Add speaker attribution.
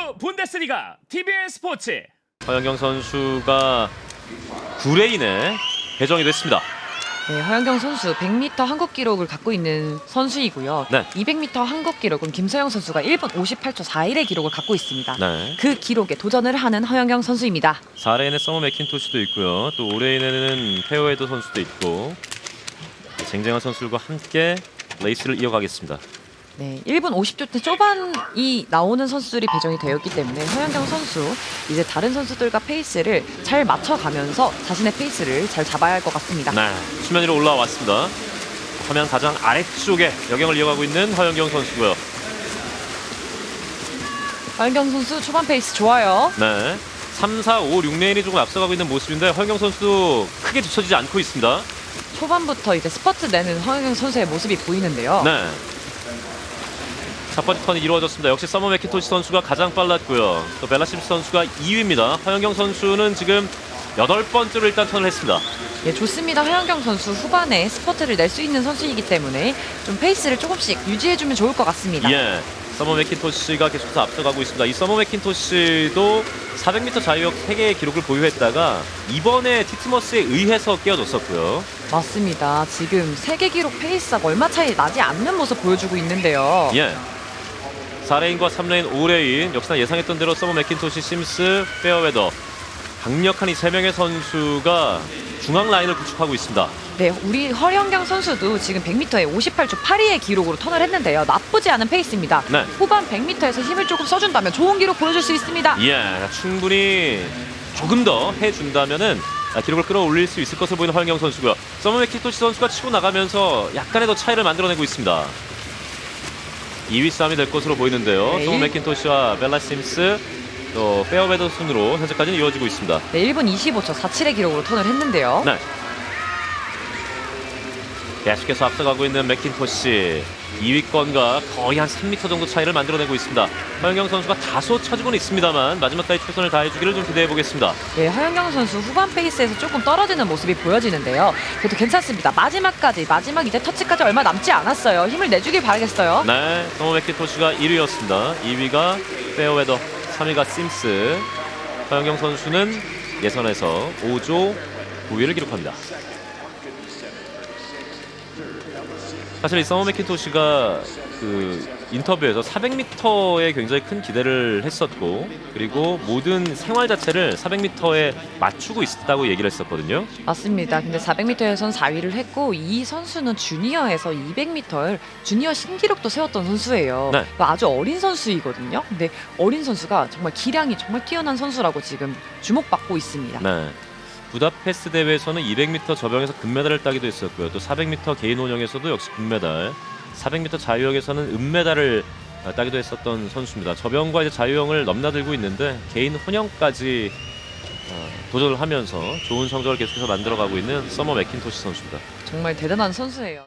Speaker 1: 분데스리가 TBN 스포츠.
Speaker 2: 허영경 선수가 9레인에 배정이 됐습니다.
Speaker 3: 네, 허영경 선수 100m 한국 기록을 갖고 있는 선수이고요.
Speaker 2: 네.
Speaker 3: 200m 한국 기록은 김서영 선수가 1분 58초 41의 기록을 갖고 있습니다.
Speaker 2: 네.
Speaker 3: 그 기록에 도전을 하는 허영경 선수입니다.
Speaker 2: 4레인에 서머 맥킨토시도 있고요. 또 5레인에는 페어웨더 선수도 있고 쟁쟁한 선수들과 함께 레이스를 이어가겠습니다.
Speaker 3: 네, 1분 50초 대 초반이 나오는 선수들이 배정이 되었기 때문에 허영경 선수 이제 다른 선수들과 페이스를 잘 맞춰가면서 자신의 페이스를 잘 잡아야 할 것 같습니다.
Speaker 2: 네, 수면 위로 올라왔습니다. 화면 가장 아래쪽에 여경을 이어가고 있는 허영경 선수고요.
Speaker 3: 허영경 선수 초반 페이스 좋아요.
Speaker 2: 네, 3, 4, 5, 6레인이 조금 앞서가고 있는 모습인데 허영경 선수도 크게 뒤처지지 않고 있습니다.
Speaker 3: 초반부터 이제 스퍼트 내는 허영경 선수의 모습이 보이는데요.
Speaker 2: 네. 첫 번째 턴이 이루어졌습니다. 역시 서머 맥킨토시 선수가 가장 빨랐고요. 또 벨라심스 선수가 2위입니다. 허영경 선수는 지금 8번째로 일단 턴을 했습니다.
Speaker 3: 예, 좋습니다. 허영경 선수 후반에 스퍼트를 낼 수 있는 선수이기 때문에 좀 페이스를 조금씩 유지해주면 좋을 것 같습니다.
Speaker 2: 예, 서머 맥킨토시가 계속해서 앞서가고 있습니다. 이 서머 맥킨토시도 400m 자유형 3개의 기록을 보유했다가 이번에 티트머스에 의해서 깨어졌었고요.
Speaker 3: 맞습니다. 지금 세계 기록 페이스가 얼마 차이 나지 않는 모습 보여주고 있는데요.
Speaker 2: 예. 4레인과 3레인, 5레인 역시나 예상했던 대로 서머 맥킨토시, 심스, 페어웨더 강력한 이 3명의 선수가 중앙 라인을 구축하고 있습니다.
Speaker 3: 네, 우리 허영경 선수도 지금 100m에 58초 82의 기록으로 턴을 했는데요. 나쁘지 않은 페이스입니다.
Speaker 2: 네.
Speaker 3: 후반 100m에서 힘을 조금 써준다면 좋은 기록 보여줄 수 있습니다.
Speaker 2: 예, 충분히 조금 더 해준다면은 기록을 끌어올릴 수 있을 것으로 보이는 허영경 선수고요. 서머 맥킨토시 선수가 치고 나가면서 약간의 더 차이를 만들어내고 있습니다. 2위 싸움이 될 것으로 보이는데요.
Speaker 3: 네.
Speaker 2: 서머 맥킨토시와 벨라 심스 또 페어웨더 순으로 현재까지는 이루어지고 있습니다.
Speaker 3: 네, 1분 25초 47의 기록으로 턴을 했는데요.
Speaker 2: 네. 계속해서 앞서가고 있는 맥킨토시 2위권과 거의 한 3m 정도 차이를 만들어내고 있습니다. 허영경 선수가 다소 쳐주고는 있습니다만 마지막까지 최선을 다해주기를 좀 기대해 보겠습니다.
Speaker 3: 네, 허영경 선수 후반 페이스에서 조금 떨어지는 모습이 보여지는데요. 그래도 괜찮습니다. 마지막 이제 터치까지 얼마 남지 않았어요. 힘을 내주길 바라겠어요.
Speaker 2: 네, 서머 맥킨토시가 1위였습니다. 2위가 페어웨더, 3위가 심스. 허영경 선수는 예선에서 5조 9위를 기록합니다. 사실 이 서머 맥킨토시가 그 인터뷰에서 400m에 굉장히 큰 기대를 했었고 그리고 모든 생활 자체를 400m에 맞추고 있다고 얘기를 했었거든요.
Speaker 3: 맞습니다. 근데 400m에선 4위를 했고 이 선수는 주니어에서 200m를 주니어 신기록도 세웠던 선수예요.
Speaker 2: 네.
Speaker 3: 아주 어린 선수이거든요. 근데 어린 선수가 정말 기량이 정말 뛰어난 선수라고 지금 주목받고 있습니다.
Speaker 2: 네. 부다페스트 대회에서는 200m 저병에서 금메달을 따기도 했었고요. 또 400m 개인 혼영에서도 역시 금메달, 400m 자유형에서는 은메달을 따기도 했었던 선수입니다. 저병과 이제 자유형을 넘나들고 있는데 개인 혼영까지 도전을 하면서 좋은 성적을 계속해서 만들어가고 있는 서머 맥킨토시 선수입니다.
Speaker 3: 정말 대단한 선수예요.